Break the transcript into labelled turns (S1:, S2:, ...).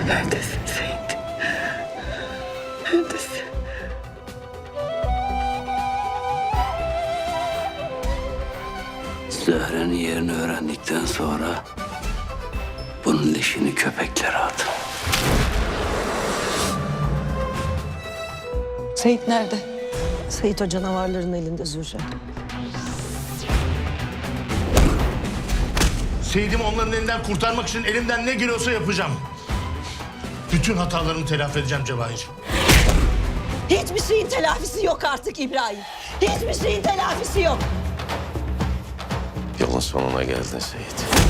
S1: Neredesin Seyit? Neredesin?
S2: Zöhre'nin yerini öğrendikten sonra bunun leşini köpeklere atın.
S1: Seyit nerede?
S3: Seyit o canavarların elinde Zühre.
S4: Seyit'imi onların elinden kurtarmak için elimden ne geliyorsa yapacağım. Bütün hatalarımı telafi edeceğim Cevahir.
S3: Hiçbir şeyin telafisi yok artık İbrahim. Hiçbir şeyin telafisi yok.
S5: Yolun sonuna geldin Seyit.